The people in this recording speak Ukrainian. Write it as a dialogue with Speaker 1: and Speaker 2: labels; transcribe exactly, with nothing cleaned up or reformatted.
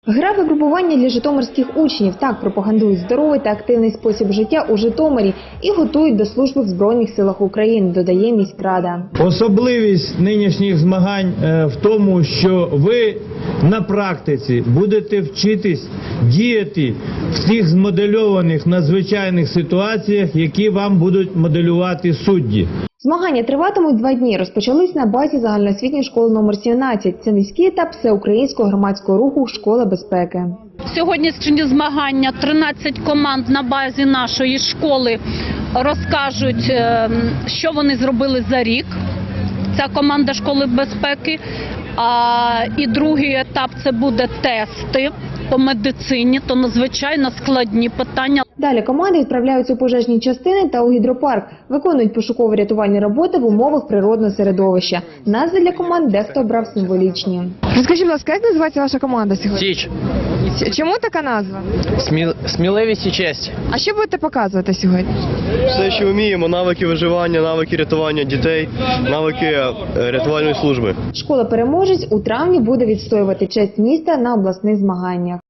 Speaker 1: Гра випробування для житомирських учнів. Так пропагандують здоровий та активний спосіб життя у Житомирі і готують до служби в Збройних силах України, додає міськрада.
Speaker 2: Особливість нинішніх змагань в тому, що ви на практиці будете вчитись діяти в тих змодельованих надзвичайних ситуаціях, які вам будуть моделювати судді.
Speaker 1: Змагання триватимуть два дні. Розпочались на базі загальноосвітньої школи номер сімнадцять. Це міський етап всеукраїнського громадського руху «Школа безпеки».
Speaker 3: Сьогоднішні змагання, тринадцять команд на базі нашої школи розкажуть, що вони зробили за рік. Ця команда школи безпеки. А, і другий етап – це буде тести по медицині, то надзвичайно складні питання.
Speaker 1: Далі команди відправляються у пожежні частини та у гідропарк. Виконують пошуково-рятувальні роботи в умовах природного середовища. Назви для команд дехто обрав символічні.
Speaker 4: Розкажіть, будь ласка, як називається ваша команда сьогодні?
Speaker 5: Січ.
Speaker 4: Чому така назва?
Speaker 5: Сміл... Сміливість і честь.
Speaker 4: А що будете показувати сьогодні?
Speaker 6: Все, що вміємо, навики виживання, навики рятування дітей, навики рятувальної служби.
Speaker 1: Школа-переможець у травні буде відстоювати честь міста на обласних змаганнях.